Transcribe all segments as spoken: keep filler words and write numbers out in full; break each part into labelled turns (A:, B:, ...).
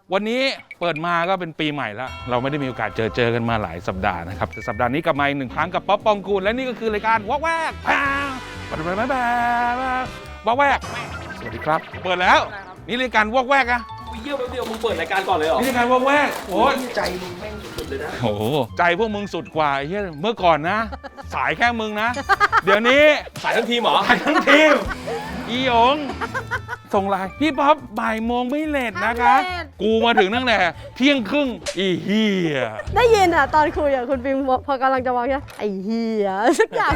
A: วันนี้เปิดมาก็เป็นปีใหม่แล้วเราไม่ได้มีโอกาสเจอเจอกันมาหลายสัปดาห์นะครับแต่สัปดาห์นี้กลับมาอีกหนึ่งครั้งกับป๊อปปองกูลและนี่ก็คือรายการวอกแวกแพงปัดไปไปวอกแวกสวัสดีครับเปิดแล้วนี่รายการวอกแวกอะ
B: เยี่ยมแป๊บเดียวมึงเปิดรายการก่อนเลยเหรอ
A: นี่รายการวอกแวกโอ้
B: ใจมึงแม่งสุดเลยนะ
A: โอ้โหใจพวกมึงสุดกว่าเฮ้ยเมื่อก่อนนะ สายแค่มึงนะเดี๋ยวนี้
B: สายทั้งทีมเหรอ
A: สายทั้งทีมอีหยงส่งไลน์พี่ป๊อปบ่ายโมงไม่เลทนะคะกูมาถึงตั้งแต่เที่ยงครึ่งอีเฮีย
C: ได้ยินอ่ะตอนคุยอ่ะคุณฟิล์มพอกำลังจะวางใช่ไอ้เฮียสักอย่าง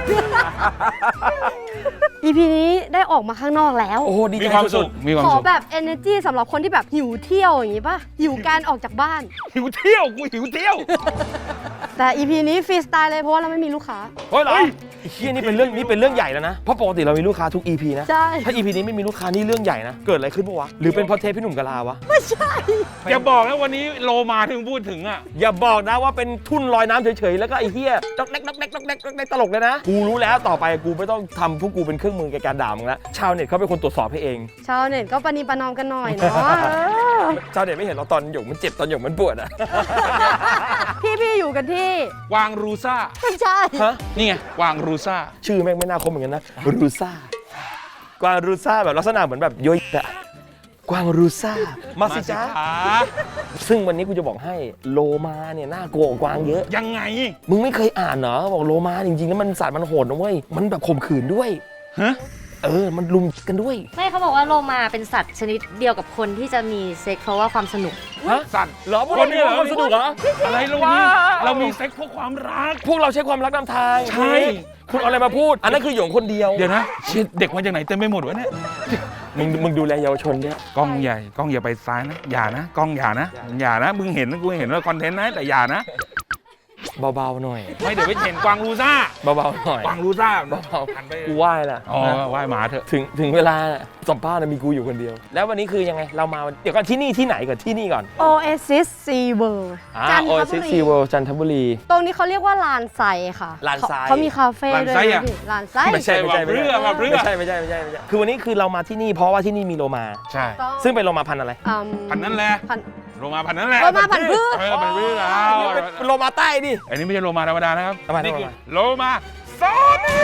C: อี พี นี้ได้ออกมาข้างนอกแล้ว
B: โอ้ดี
A: มีความสุขมีความ
C: ขอ
A: สุข
C: แบบ energy สำหรับคนที่แบบหิวเที่ยวอย่างงี้ป่ะหิวการออกจากบ้าน
A: หิวเที่ยวกูหิวเที่ยว
C: แต่ อี พี นี้ฟรีสไตล์เลยเพราะว่าเราไม่มีลูกค้า
B: เฮ้ยเหรอไอ้เฮียนี่เป็นเรื่องนี่เป็นเรื่องใหญ่แล้วนะเพราะปกติเรามีลูกค้าทุก อี พี นะ
C: ใช่
B: ถ้า อี พี นี้ไม่มีลูกค้านี่เรื่องใหญ่นะเกิดอะไรขึ้นปะวะหรือเป็นเพราะเทปพี่หนุ่มกะลาวะ
C: ไม่ใช่
A: อย่าบอกนะวันนี้โลมาถึงพูดถึงอ่ะ
B: อย่าบอกนะว่าเป็นทุ่นลอยน้ำเฉยๆแล้วก็ไอ้เฮียดอกแดกดอกแดกดอกแดกดอกแดกตลกเลยนะกูรู้แล้วต่อไปกูไม่ต้องทำพวกกูเป็นเครื่องมือในการด่ามึงแล้วชาวเน็ตเขาเป็นคนตรวจสอบให้เอง
C: ชาวเน็ตก็ปณีประนอมกันหน่อยเนาะ
B: ชาวเน็ตไม่เห็นเราตอนหยกมันเจ็บตอนหยกมันปวดอ่ะ
C: พี่พี่อยู่กันที่
A: วางรูซ่า
C: ไม่ใช่
B: ฮะ
A: นี่ไงวางรูซ่า
B: ชื่อแม่งไม่น่าคมเหมือนกันนะรูซ่ากวางรูซ่าแบบลักษณะเหมือนแบบโยยอะกวางรูซ่ามาสิจ้าซึ่งวันนี้กูจะบอกให้โลมาเนี่ยน่ากลัวกว่ากวางเยอะ
A: ยังไง
B: มึงไม่เคยอ่านเหรอบอกโลมาจริงๆแล้วมันสัตว์มันโหดนะเว้ยมันแบบข่มขืนด้วย
A: ฮะ
B: เออมันลุมกันด้วย
D: ไม่เขาบอกว่าโลมาเป็นสัตว์ชนิดเดียวกับคนที่จะมีเซ็กเพราะว่าความสนุก
B: ฮะสัตว์เหรอพวกเรามีความสนุกเหรอ
A: อะไรเรามีเรามีเซ็กเพราะความรัก
B: พวกเราใช้ความรักนำทาง
A: ใช่
B: คุณเอาอะไรมาพูดอันนั้นคือหยงคนเดียว
A: เดี๋ยวนะเด็กมาจากไหนเต็มไปหมดวะเนี่ย
B: มึงมึงดูแลเยาวชนเนี่ย
A: กล้องใหญ่กล้องอย่าไปซ้ายนะอย่านะกล้องอย่านะอย่านะมึงเห็นกูเห็นว่าคอนเทนต์นะแต่อย่านะ
B: เบาๆหน่อย
A: ไม่เดี๋ยวไปเห็นกวางรูซ่า
B: เบาๆหน่อย
A: กวางรูซ่า
B: เบาๆหันไปกูไหว้ละ
A: อ๋อไหว้หมาเถอะ
B: ถึงถึงเวลาสัมภาษณ์มีกูอยู่คนเดียวแล้ววันนี้คือยังไงเรามาเดี๋ยวก่อนที่นี่ที่ไหนก่อนที่นี่ก่อน
C: Oasis Sea World
B: จันทบุรี Oasis Sea World จันทบุรี
C: ตรงนี้เขาเรียกว่าลานไซค่ะ
B: ลานไซ
C: เขามีคาเฟ่ด้วยนะพี่ลานไซ
B: ไม่ใช่ไม่ใช่ไม่ใช่ไม่ใช่ไม่ใช่ไม่ใช่ไม่ใช่คือวันนี้คือเรามาที่นี่เพราะว่าที่นี่มีโลมา
A: ใช่
B: ซึ่งเป็นโลมาพันธุ์อะไร
A: พันธุ์นั่นแหละโลมาพันธุ์นั่นแหละ
C: โลมาพันธุ์พืช
A: เออพันธุ์พืชแล้ว
B: โลมาใต้ดิ
A: อันนี้ไม่ใช่โลมาธรรมดานะครับ
B: นี่คือ
A: โลมาซอมบี้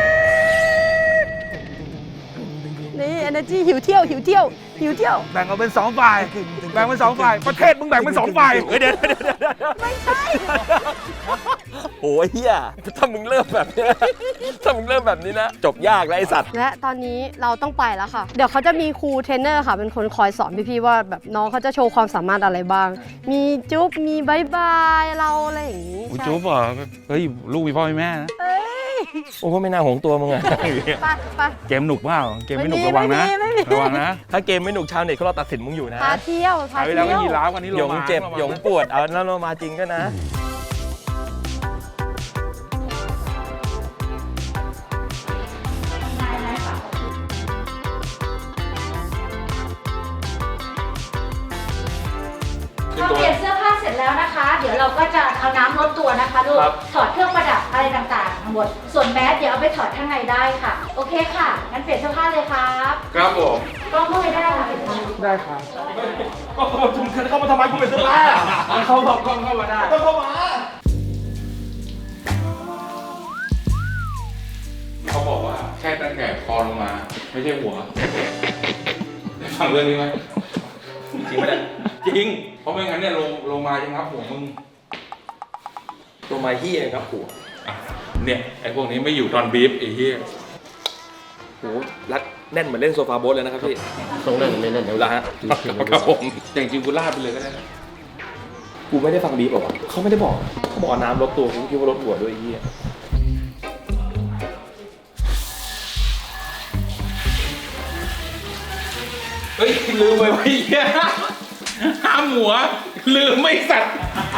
C: นี่ energy หิวเที่ยวหิวเที่ยวหิวเที่ยว
A: แบ่งออกเป็นสองฝ่ายแบ่งเป็นสองฝ่ายประเทศมึงแบ่งเป็นสองฝ่าย
B: เดี๋ยว
C: ไม่ใช่
B: โอ้ยเฮียถ้ามึงเริ่มแบบนี้ถ้ามึงเริ่มแบบนี้นะจบยากแล้วไอสัตว์
C: และตอนนี้เราต้องไปแล้วค่ะเดี๋ยวเขาจะมีครูเทรนเนอร์ค่ะเป็นคนคอยสอนพี่ๆว่าแบบน้องเขาจะโชว์ความสามารถอะไรบ้างมีจุ๊บมีบายบายเราอะไรอย่างนี้
A: จุ๊บเหรอเฮ้ยลูกมีพ่อมีแม่นะ
B: โอ้ไม่น่าหวงตัวมึงอะ
C: ไปไป
A: เกมหนุกเปล่าเกมไม่หนุกระวังนะระวังนะ
B: ถ้าเกมไม่หนุกชาวเน็ตเขาเราตัดสินมึงอยู่นะ
C: พาเที่ยว
A: พาเที่ยวยีราฟวันนี้
B: หยงเจ็บหยงปวดเอาแล้วเรามาจริงก็นะ
D: พอเปลี่ยนเสื้อผ้าเสร็จแล้วนะคะเดี๋ยวเราก็จะเอาน้ำลดตัวนะคะลูกถอดเครื่องประดับอะไรต่างๆทั้งหมดส่วนแมสเดี๋ยวเอาไปถอดข้างในได้ค่ะโอเคค่ะงั้นเปลี่ยนเสื้อผ้าเลยครับ
A: ครับผม
D: กล้องเข้าไปได้ค่ะ
B: ได้ครับก็คุณเข้ามาทำไมคุณเป็นเสื้อผ้า
A: เขาบอกกล้องเข้ามาได้
B: ก็เข้ามา
A: เขาบอกว่าแค่ตั้งแต่คอลงมาไม่ใช่หัวได้ฟังเรื่องนี้ไหม
B: จริงไหมเนี่ย
A: จริงเพราะไม่งั้นเนี่ยลงลงมาจะงับหัวมึง
B: ตัวมาเฮียครับหัว
A: เนี่ยไอ้พวกนี้ไม่อยู่ตอนบีฟไอ้เฮีย
B: โหรัดแน่นเหมือนเล่นโซฟาโบ๊ทเลยนะครับพี่
E: ต้องเล่นไม่เล่นเดี๋ยว
B: ละฮะ
A: ครับผมแต่จริงกูลาดไปเลยก็ได้
B: กูไม่ได้ฟังบีฟหรอกเขาไม่ได้บอกเขาบอกน้ำลดตัวกูคิดว่าลดหัวด้วยไอ้เฮีย
A: เฮ้ยลืมไปไว้เฮียห้ามหัวลืมไม่สัตว์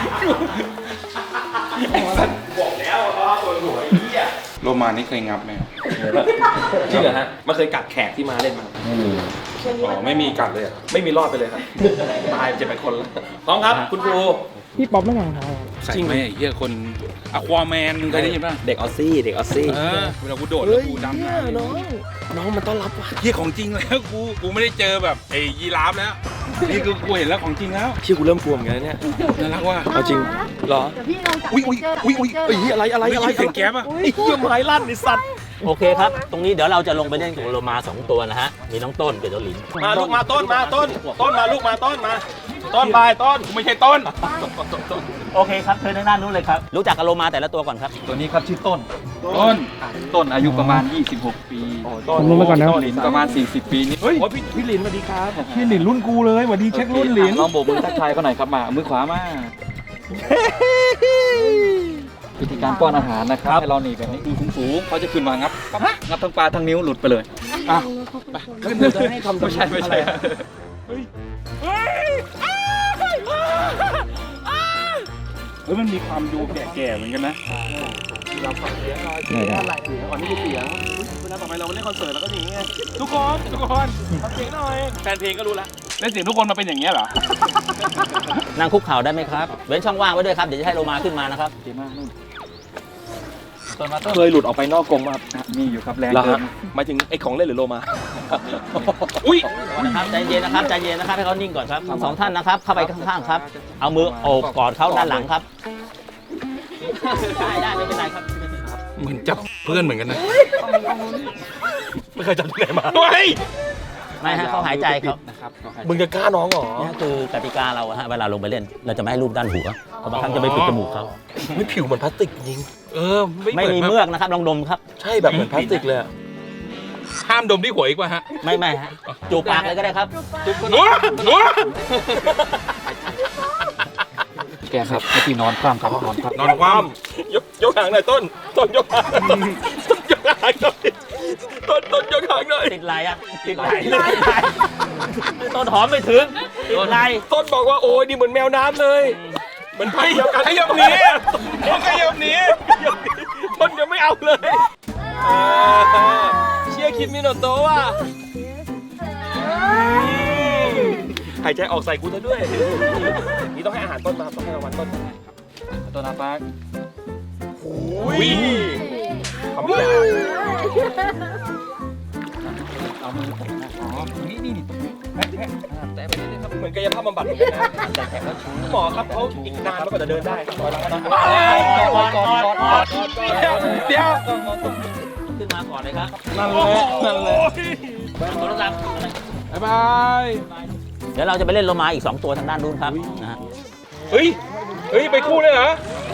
B: บอกแล้วว่าตัวหัวไอ้เหี้ย
A: โรมานี่เคยงับไหม
B: จริงเหรอฮะมันเคยกัดแขกที่มาเล่นมา
E: ไม่มี
A: อ๋อไม่มีกัดเลยอ่ะ
B: ไม่มีรอดไปเลยครับตายเจ็บไปคนแล้วพร้อมครับคุณครู
E: พี่ป๊อปไม่วางเท้า
A: จริงไหมเฮียคนอะควาแมนมึงเคยได้ยินป่ะ
B: เด็กออซซี่เด็กออซซี่
A: เวลากูโดดแล้วกูดำน้
B: ำน้องน้องมันต้อนรับว่ะ
A: เฮียของจริงแล้วกูกูไม่ได้เจอแบบไอ้ยีราฟแล้วนี่คือกูเห็นแล้วของจริงแล้ว
B: เชี่ยกูเริ่มกลัวเหมือนกันนะเนี่ย
A: น่ารักว่ะ
B: เอาจริงเหรอ
C: เดี๋ยวพี่ลองจับ
A: อุ๊ยอุ๊ยอุ๊ยอุ๊ย
B: เฮ้ยอะไรอะไรอะไร
A: เสียงแก๊ปอะ
B: ไอ้เหี้ยไม้ลั่นไอ้สัตว์
F: โอเคครับ ตรงนี้เดี๋ยวเราจะลงไปเล่นกับโลมาสองตัวนะฮะ มีน้องต้นกับเจ้าหลิน
B: มาลูกมาต้นมาต้น ต้นมาลูกมาต้นมา ต้นไปต้น
A: ไม่ใช่ต้น
F: โอเคครับเชิญทางด้านนู้นเลยครับ รู้จักกับโลมาแต่ละตัวก่อนครับ
G: ตัวนี้ครับชื่อต้น
A: ต้น
G: ต้นอายุประมาณ ยี่สิบหก ปี
B: ต้น
E: ผมลงไปก่อนนะ
G: หลินประมาณ สี่สิบ ปีนี่
A: เฮ้ย
B: โอ้ยพี่พี่ลินสวัสดีครับ
A: พี่หลินรุ่นกูเลยหวัดดีเช็ครุ่นหลิน
G: ลองโบกมือทักทายเขาหน่อยครับมาเอามือขวามาวิธีการป้อนอาหารนะครับให้เราหนีแบบนี้ดูสูงๆเขาจะขึ้นมางับปั๊บงับทั้งปลาทั้งนิ้วหลุดไปเลย
A: อ่ะ
B: ขึ้นเลยจะให้ทำ
G: ไม่ใช่ไม่ใช่
A: เฮ้ยมันมีความดูแก่ๆเหมือนกันนะ
B: เราฝังเสียงหน่อยเสียงอะไรเสียงก่อนที่มีเสียงอุ๊ยเวลาต่อไปเราเล่นคอนเสิร์ตเราก็อย่างเงี้ย
A: ทุกคนทุกคน
B: ทำเสียงหน่อยแฟนเพลงก็รู้แล้ว
A: เล่นเสียงทุกคนมาเป็นอย่างเงี้ยเหรอ
F: นั่งคุกเข่าได้ไหมครับ เว้นช่องว่างไว้ด้วยครับ เดี๋ยวจะให้โลมาขึ้นมานะครับ
G: ดีมากนู่นต้นมาต้น
B: เคยหลุดออกไปนอกกรงมา
G: อ่ะมีอยู่ครับแรง
B: แล้ว
G: เกิ
B: ฮะ
G: น
B: หมายถึงไอ้ของเล่นหรือโลมา
A: อุ้ย
F: นะครับใจเย็นนะครับใจเย็นนะครับให้เขานิ่งก่อนครับทั้งสองท่านนะครับเข้าไปข้างๆครับ เอามือโอบกอดเขาด้านหลังครับ ได้ได้ไม่เป็นไรครับ
A: เหมือนจับเพื่อนเหมือนกันนะ
B: ไม่เคยจำที่ไหนมา
A: เฮ้ย
F: ไม่ฮะเขาหายใจเขา
G: นะครับเขาหายใจ
B: มึงจะกล้าน้องเหรอ
F: นี่คือกติกาเราอะฮะเวลาลงไปเล่น เราจะไม่ให้รูปด้านหัวเพราะบางครั้งจะไปปิดจมูกเขา
B: ไม่ผิวเหมือนพลาสติกจริง
A: เออ
F: ไม่มีเมือกนะครับลองดมครับ
B: ใช่แบบเหมือนพลาสติกเลยอะ
A: ห้ามดมที่หัวอีกป่ะฮะ
F: ไม่ไม่ฮะจูบปากเลยก็ได้ครับ
A: หนัวหนัว
G: แกครับให้พี่นอนคว่ำครับนอนคว่ำ
A: นอนคว่
B: ยกยกหางหน่อยต้น ต้นยกหางต้นยกหางหน่อยต้นต้นยกหางหน่อย
F: ติดไหลอะติดไหลติดไหลต้นหอมไม่ถึงติดไหล
B: ต้นบอกว่าโอ้ยนี่เหมือนแมวน้ำเลยเหมือน
A: ำ
B: พันเดียวกัน
A: ขยับหนีต้องขยับหนี
B: ต้นยังไม่เอาเลยเออเชียร์คิดมิโนโตะว่ะหายใจออกใส่กูซะด้วย นี่ต้องให้อาหารต้นมาต้องให้รางวัลต้น
G: ต้นอาปาก
B: อุ้ยทำไม่ได้
G: เอามือผมนะอ๋อนี่นี่นี่แตะแตะอ่าแตะไปเรื่อยๆครับ
B: เหมือนกายภาพบำบัดเหมือนกันนะหมอครับเขาอีกนานแล้วก็จะเดินได้ครับ
F: ก่อนก่อนก่อนก่อน
A: เดี๋ยว
F: ขึ้นมาก่อนเลยครับ
A: นั่นแหละนั่นแหละ
F: โทรศัพท์
A: บ๊ายบาย
F: เดี๋ยวเราจะไปเล่นโลมาอีกสองตัวทางด้านนู้นครับนะฮะ
A: เฮ้ย เฮ้ย ไปคู่เลยเหรอ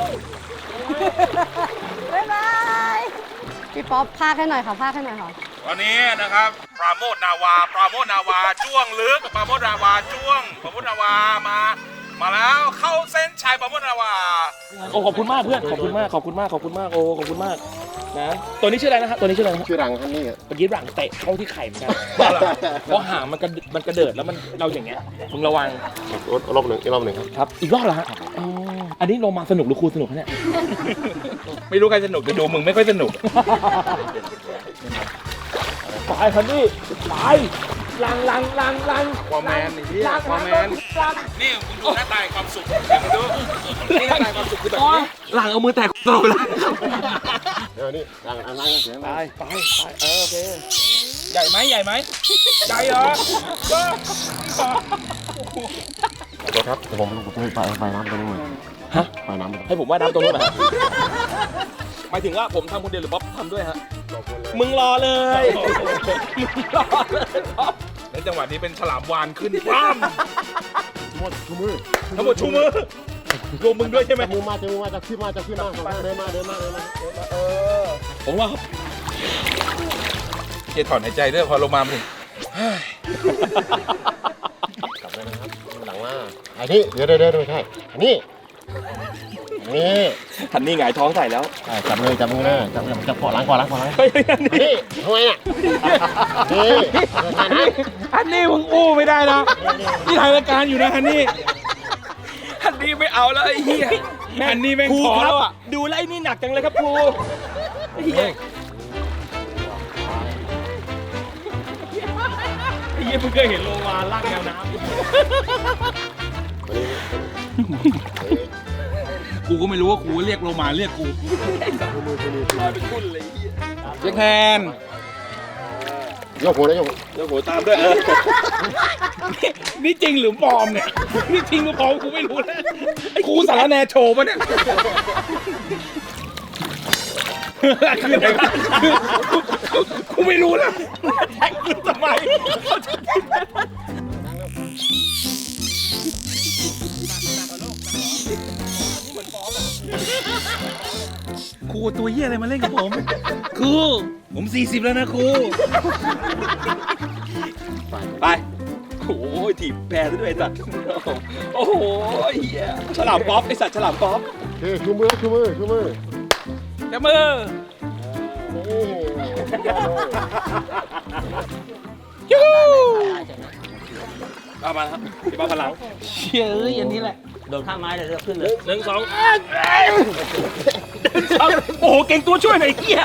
C: บ๊ายบายพี่ป๊อปพากให้หน่อยค่ะพากให้หน่อยค่ะ
A: ตอนนี้นะครับ ปราโมทนาวา ปราโมทนาวา จ้วงลึก ปราโมทนาวา จ้วง ปราโมทนาวา มา มาแล้วเข้าเส้นชัยปราโมทนาวา
B: โอ้ขอบคุณมากเพื่อนขอบคุณมากขอบคุณมากขอบคุณมากโอ้ขอบคุณมากนะตัวนี้ชื่ออะไรนะครับตัวนี้ชื่ออะไรนะครับ
E: ชื่อรังฮันนี่
B: เมื่อกี้หลังเตะเข้าที่ไข่เหมือนกันเพราะหางมันกระมันกระเดิดแล้วมันเราอย่างเงี้ยมึงระวัง
E: รอบหนึ่งอีกรอบหนึ่งครับ
B: ครับอีกรอบเหรอฮะอ๋ออันนี้ลงมาสนุกหรือครูสนุกคะเนี่ย
A: ไม่รู้ใครสนุกแต่ดูมึงไม่ค่อยสนุก
B: ไปคันนี้ไปลังลังลังลัง
A: ความแมนไอ้เหี้ยความแมน นี่มึงดูหน้าตาแห่งความสุขเดี๋ยวมึงดูนี่หน้าตาแห่งความสุขคือแบบนี้
B: หลังเอามือแตะตลอดเวลา
E: เดี๋ยวนี่รังอันรังเสียง
B: ไปไปไปเออโอเค
A: ใหญ่ไหมใหญ่ไหมใหญ่เหรอก็
E: ตัวครับเดี๋ยวผมลงไปไปไปน้ำตรงนู้น
B: ฮะ
E: ไปน้ำตรงนู้น
B: ให้ผมว่ายน้ำตรงนู้นนะฮะหมายถึงว่าผมทำคนเดียวหรือป๊อปทำด้วยฮะมึงรอเลยมึงรอเลยป๊อป
A: ในจังหวะนี้เป็นฉลามวานขึ้นปั้ม
E: หมดชูมือ
A: ทั้งหมดชูมือรวมมึงด้วยใช่ไหม
E: จับมือมาจับมือมาจับขึ้นมาจับขึ้นมาสองข้างเดินมาเดินมาเดินมา
B: เออผมว่า
A: เจถอนหายใจด้วยพอลงมาถึง
E: กลับเลยนะครับหลังว่าอันนี้เดี๋ยวเดี๋ยวเดี๋ยวไม่ใช่อันนี้นี่
B: ทันนี่หงายท้องใส่แล้ว
E: จับมือจับมือนะจับจับขอล้างขอล้างขอล้าง
B: เฮ้ยอันนี้
E: นี่ทำไมอ่ะนี่อันนี้
A: อันนี้มึงอู้ไม่ได้นะนี่ถ่ายรายการอยู่นะฮันนี่
B: อันนี้ไม่เอาแล้วไอ้เหี้ย
A: อันนี้แม่ง
B: ครู
A: ขอ
B: ครั
A: แล้
B: บ
A: วอ่ะ
B: ดูแลวไอ้นี่หนักจังเลยครับครูไอ้เหี้ยไอ้เหี้ยเพิ่งเคยเห็นโลมาลากแมวน้ำ
A: กูก็ไม่รู้ว่ากูเรียกโลมาเรียกกู
B: ลอยเป็นทุ่นเลยไอ้เหี้ย
A: เรียกแทน
E: ยกหัวนะยก
A: โอ้โหตามด้วยเออนี่นี่จริงหรือปลอมเนี่ยนี่จริงหรือปลอมกูไม่รู้นะไอ้ครูสารแนโชว์ปะเนี่ยคืออะไรวะกูไม่รู้นะแท็กกูทำไมครูตัวเหี้ยอะไรมาเล่นกับผมครูผมสี่สิบแล้วนะครูไปโอ้ยถีบแพรด้วยไอ้สัตว์โอ้โหเหี้ยฉลามป๊อปไอ้สัตว์ฉลามป๊อป
E: โอเคชูมือชูมือชูมือ
A: จับมือ
E: นี่
A: ยูเอามาครับพี่ป๊อปพลังเชี่ยเอ้ยอันนี้แหละ
F: โดนข้างไม้เลยเลือกขึ้นเลย
A: หนึ่งสองโอ้โหเก่งตัวช่วยหน่อยไอ้เหี้ย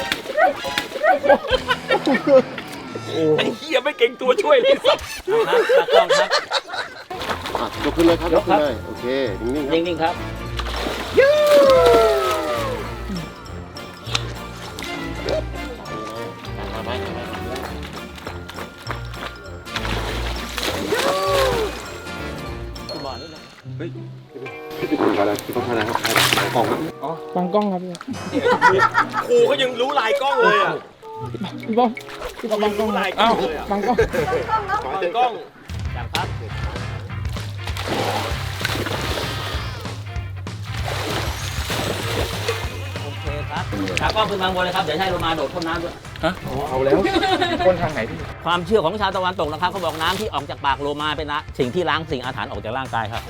A: ไอ้เหี้ยไม่เก่งตัวช่วยเลยสัตว์
F: ครับตากล้องครับ
E: อ่ะยกขึ้นเลยครับยกขึ้นเลยโอเคนิ่งๆครับ
F: นิ่งๆครับ
E: มาไหม
F: บอกนิดนึง
E: อะไรต้องทำอะไรครับกล่องนะ
A: บังกล้องครับพี่
B: ครูเขายังรู้ลายกล้องเลยอ่ะ
A: พี่ป๊อปพี่ป๊อปบังกล้องเอ้าบังกล้อง
B: กล้อง
F: จับครับโอเคครับตากล้องขึ้นมาบนเลยครับเดี๋ยวให้โลมาโดดพ่นน้ำด้วย
A: เอาแล้วคนทางไหนพี่
F: ความเชื่อของชาวตะวันตกนะครับเขาบอกน้ำที่ออกจากปากโลมาเป็นนะสิ่งที่ล้างสิ่งอาถรรพ์ออกจากร่างกายครับ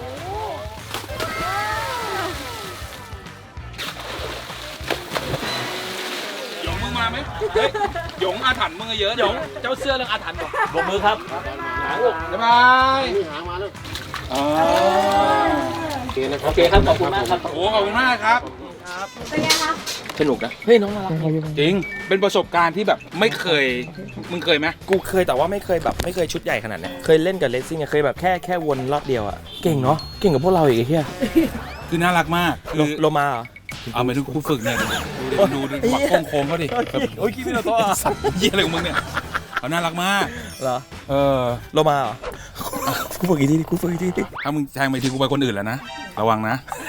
A: หยงมึงมาไหมเฮ้ยหยงอาถรรพ์มึงเยอะหยงเจ้าเสื้อเรื่องอาถรรพ์บอก
F: บกมือครับ
A: บ๊ายบาย
E: นี่หางมาเลย
A: อ๋อ
E: โอเคนะครับ
F: โอเคครับขอบคุณมากครับ
A: โอ้ขอบคุณมากครับ
D: เป็นไงคะ
B: สนุกนะ เฮ้ยน้องน่ารัก
A: จริงเป็นประสบการณ์ที่แบบไม่เคยมึงเคยไหม
B: กูเคยแต่ว่าไม่เคยแบบไม่เคยชุดใหญ่ขนาดเนี้ยเคยเล่นกับเลสซิ่งอะเคยแบบแค่แค่วนรอบเดียวอะเก่งเนาะ เก่งกับพวกเราอีกไอ้เหี้ย
A: คือน่ารักมาก
B: โล
A: คือ
B: โลมาเหรอ
A: เอาไปทุกคู่ฝึกเนี่ยดูดิดูดิหมักโค้งๆเขาดิ
B: โอ้ยคิดไม่ตัว
A: สัตว์เยี่ยอะไรของมึงเนี่ยเขาน่ารักมาก
B: เหรอ
A: เออ
B: โลมาเหรอ กูฝึกอีกทีดิกูฝึกอีกทีดิ
A: ถ้ามึงแทงไปทีกูไปคนอื่นแล้วนะระวังนะ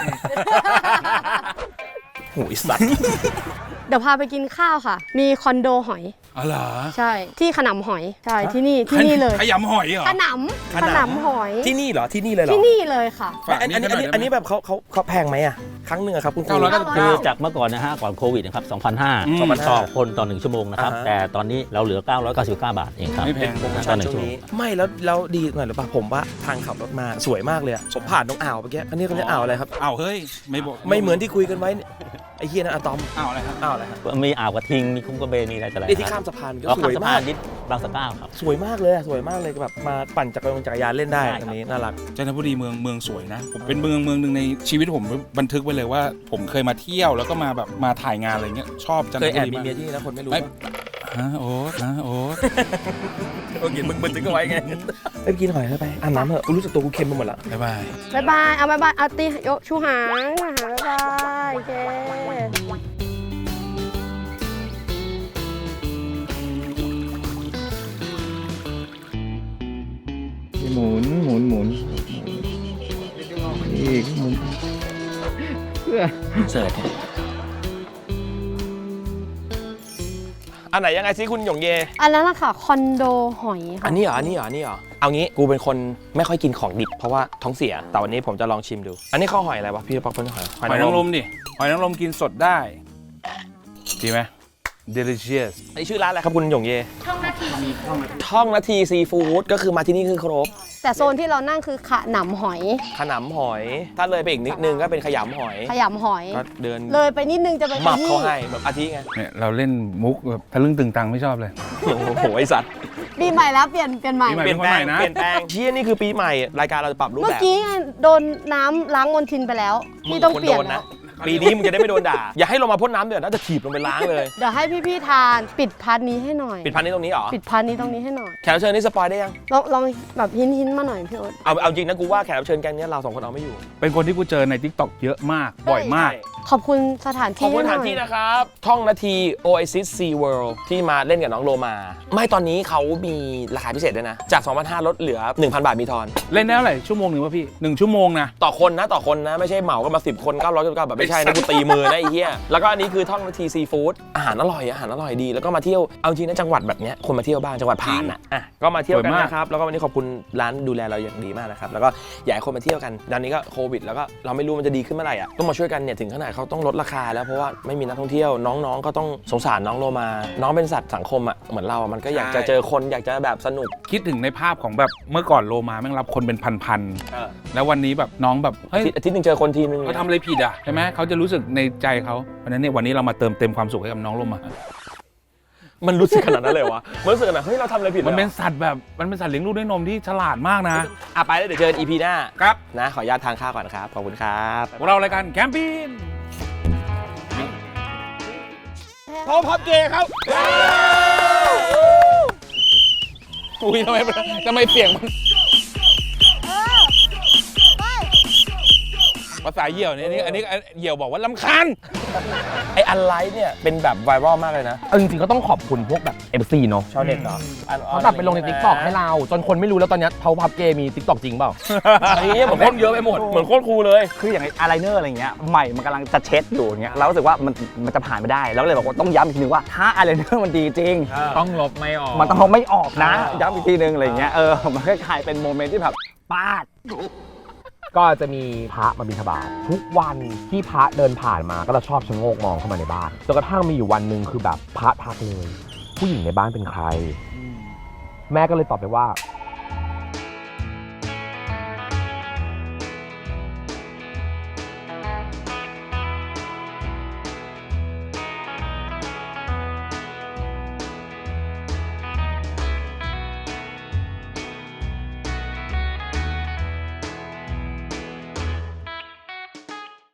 B: โอ้ยสัตว์
C: เดี๋ยวพาไปกินข้าวค่ะ มีคอนโดหอย
A: อ๋อเหรอ
C: ใช่ ที่ขนำหอย ใช่ ที่นี่ที่นี่เลย
A: ขยำหอยเหรอ
C: ขนำขนำหอย
B: ที่นี่เหรอ ที่นี่เลยเหรอ
C: ที่นี่เลยค่ะ
A: ฝาก
B: อัน
A: นิด
B: อัน
A: หน่
B: นี้
A: อย
B: อันนี้
A: ได้ไหม
B: อันนี้แบบเขาเขาเขาแพงไหมอะครั้งหนึ่งอะครับคุณครู
A: เก้าร้อยเก้าสิบ
F: คื
A: เก้า
F: อจากเมื่อก่อนนะฮะก่อนโควิดนะครับสองพันห้าร้อย
A: อืม
F: ต่อคนต่อหนึ่งชั่วโมงนะครับ
B: อ่าฮะ
F: แต่ตอนนี้เราเหลือเก้าร้อยเก้าสิบเก้าบาทเองครับ
A: ไม่แพง
B: โปรโม
F: ต่
B: ชั่
F: อน หนึ่ง
B: ช่ว
F: ชั่ว
B: ง
F: โมง
B: นี้ไม่แล้วแล้วดีหน่อยหรือเปล่าผมว่าทางขับรถมาสวยมากเลยอะผมผ่านตรงอ่าวเมื่อกี้อันนี้เขาเรียกอ่าวอะไรครับ
A: อ้าวเฮ้ยไม่บอก
B: ไม่เหมือนที่คุยกันไว้เนี่ยไอ้เฮียนั่นอะตอม
A: อ้าวอะไรครับ
B: อ่าวอะไรครับ
F: มีอ่าวกระทิงมีคุ้งกระเบนมีอะไรต่ออะไร
B: นี่ที่ข้ามสะพานก็
F: ก็
B: ส
F: ข้าม
B: วย
F: สะพาม
B: าน ก
F: นิดบางสะเก้าครับ
B: สวยมากเลยอะสวยมากเลยแบบมาปั่นจักรยานจักรยานเล่นได้
F: ใช่ครับ
B: ตรงนี้น่ารัก
A: จันทบุรีเมืองเมืองสวยนะผมเป็นเมืองเมืองหนึ่งในชีวิตผมบันทึกไว้เลยว่า ผมเคยมาเที่ยวแล้วก็มาแบบมาถ่ายงานอะไรเงี้ยชอบจันท
B: เคย
A: บุ
B: แอบ
A: รี
B: มี
A: มาก
B: เมียที่นี่แล้วคนไม่รู้
A: ไม่
B: ปะ
A: ฮะโอ๊ตฮะโอ๊ต
B: โอเคมึงบันทึกเอาไว้ไงไปกินหอยเข้าไปอาบน้ำเถอะกูรู้สึกตัวกูเค็มไปหมดละ
A: บ๊ายบาย
C: บ๊ายบาย เอาบ๊ายบาย เอาตียกชูหางหางบ๊ายบาย โอเค
G: หมุนหมุนหมุนอีกหมุนเพื่อ
B: เสิร์ชอันไหนยังไงซิคุณหยงเย
C: อันนั้นนะคะคอนโดหอย
B: อั
C: ค่ะ
B: นนี้เหรออันนี้เหรออันนี้เหรอเอางี้กูเป็นคนไม่ค่อยกินของดิบเพราะว่าท้องเสียแต่วันนี้ผมจะลองชิมดู อันนี้ข้าวหอยอะไรวะพี่ป๊อกเป็นหอย
A: หอยนางรมดิหอยนางรมกินสดได้ดีไหม delicious
B: อันนี้ชื่อร้านอะไรครับคุณหยงเย
D: ช่องนาทีซีฟู้ด
B: ท่องนาทีซีฟู้ดก็คือมาที่นี่คือครบ
C: แต่โซนที่เรานั่งคือขนำหอย
B: ขนำหอย ถ้าเลยไปอีกนิดนึงก็เป็นขยำหอย
C: ขยำหอย
B: ก็เดิน
C: เลยไปนิดนึงจะเป็น
B: หมับ
C: ขยี้
B: เขาให้แบบอาทิไง
A: เนี่ยเราเล่นมุกแบบทะลึ่งตึงตังไม่ชอบเลย
B: โอ้โหไอสัตว์
C: ปีใหม่แล้วเปลี่ยนเปลี่ยนใหม่
A: ปีใหม่
B: เปลี่ยนแปลง
A: เป็นคนใหม่นะ
B: เปลี่ยนแปลงเชี่ยนี่คือปีใหม่รายการเราจะปรับรูป
C: เมื่อ
B: แบบ
C: กี้ไงโดนน้ำล้างมลทินไปแล้วพี่ต้องเปลี่ยน
B: มึงคนโด
C: แล้ว
B: ปีนี้มึงจะได้ไม่โดนด่า อย่าให้ลงมาพ่นน้ำเดือดน่าจะถีบลงไปล้างเลย
C: เดี๋ยวให้พี่ๆทานปิดพาร์ทนี้ให้หน่อย
B: ปิดพันนี้ตรงนี้เหรอ
C: ปิดพาร์ทนี้ตรงนี้ให้หน่อย
B: แขกรับเชิญนี่สปอยได้ยัง
C: ลองลองแบบหินหินๆมาหน่อยพี่โอ๊ต
B: เอาเอาจริงนะกูว่าแขกรับเชิญแกงเนี้ยเราสองคนเอาไม่อยู่
A: เป็นคนที่กูเจอใน ทิกตอก เยอะมากบ่อยมาก
B: ใช่
C: ขอบคุณสถาน
B: ขอบ
C: ที่
B: คุณสถาน
C: หอย
B: ที่นะครับ ท่องนาที Oasis Sea World ที่มาเล่นกับน้องโลมา ไม่ตอนนี้เขามีราคาพิเศษด้วยนะ จาก สองพันห้าร้อย ลดเหลือ หนึ่งพัน บาทมีทอน
A: เล่นได้เท่าไหร่ชั่วโมงหนึ่งป่ะพี่หนึ่งชั่วโมงนะ
B: ต่อคนนะต่อคนนะ ไม่ใช่เหมากันมา สิบ คน เก้าร้อยเก้าสิบเก้าแบบไม่ใช่นะกูตีมือนะไอ้เหี้ยแล้วก็อันนี้คือท่องนาทีซีฟู้ดอาหารอร่อยอาหารอร่อยดีแล้วก็มาเที่ยวเอาจริงนะจังหวัดแบบเนี้ยคนมาเที่ยวบ้างจังหวัดผ่านอ่ะอ่ะก็มาเที่ยวกันนะครับแล้วก็วันนี้ขอบคุณร้านดูแลเราอย่างดีมากนะครับแล้วก็อยากให้คนมาเที่ยวกันตอนนี้ก็โควิดแล้วก็เราไม่รู้มันจะดีขึ้นเมื่อไหร่อ่ะต้องมาช่วยกันเนี่ยถึงขนาดเขาต้องลดราคาแล้วเพราะว่าไม่มีนักท่องเที่ยวน้องๆก็ต้องสงสารน้องโลมาน้องเป็นสัตว์สังคมอ่ะเหมือนเราอ่ะมันก็อยากจะเจอคนอยากจะแบบสนุก
A: คิดถึงในภาพของแบบเมื่อก่อนโลมาแม่งรับคนเป็นพัน
B: เออ
A: ๆแล้ววันนี้แบบน้องแบบเฮ้ย
B: อาทิตย์หนึงเจอคนทีนึง
A: เขาทำอะไรผิดอ่ะใช่ไหมเขาจะรู้สึกในใจเขาเพราะฉะนั้นเนี่ยวันนี้เรามาเติมเต็มความสุขให้กับน้องโลมา
B: มันรู้สึกขนาดนั้นเลยวะมันรู้สึกแบบเฮ้ยเราทำอะไรผิด
A: มันเป็นสัตว์แบบมันเป็นสัตว์เลี้ยงลูกด้วยนมที่ฉลาดมากนะ
B: อ่ะไปแล้วเดี๋ยวเจอกัน อี พี หน้า
A: ครับ
B: นะขออนุญาตทานข้าวก่อนครับขอบคุณครับ
A: พวกเรารายการแคมปิ้ง
B: พอพับเกย์ครับ
A: อุ้ยทำไมทำไมเสียงมันภาษาเหี่ยวเนี่ยอันนี้อันนี้เหี่ยวบอกว่าลำคาญ
B: ไออันไลท์เนี่ยเป็นแบบไวรัลมากเลยนะ
H: เอาจริงๆก็ต้องขอบคุณพวกแบบ เอฟ ซี เนาะ
B: ชาวเน็ตเหรอ
H: เขาตัดไปลงใน ติ๊กต็อก ให้เรา จนคนไม่รู้แล้วตอนเนี้เขาพับเกย์มี ติ๊กต็อก จริงเปล่า
B: ไอ้เนี้ยเหมือนโคตรเยอะไปหมดเหมือนโคตรคูลเลย
F: คืออย่างไอ้อายไลเนอร์อะไรเงี้ยใหม่มันกำลังจะเช็ดอยู่อย่างเงี้ยเรารู้สึกว่ามันมันจะผ่านไม่ได้แล้วก็เลยบอกว่าต้องย้ำอีกทีนึงว่าถ้าอายไลเนอร์มันดีจริง
A: ต้องลบไม่ออก
F: มันต้องไม่ออกนะย้ำอีกทีนึงอะไรเงี้ยเออมันก็กลายเป็นโมเมนต์ที่แบบปาด
H: ก็จะมีพระมาบิณฑบาตทุกวันที่พระเดินผ่านมาก็จะชอบชะโงกมองเข้ามาในบ้านจนกระทั่งมีอยู่วันหนึ่งคือแบบพระทักเลย ผู้หญิงในบ้านเป็นใคร แม่ก็เลยตอบไปว่า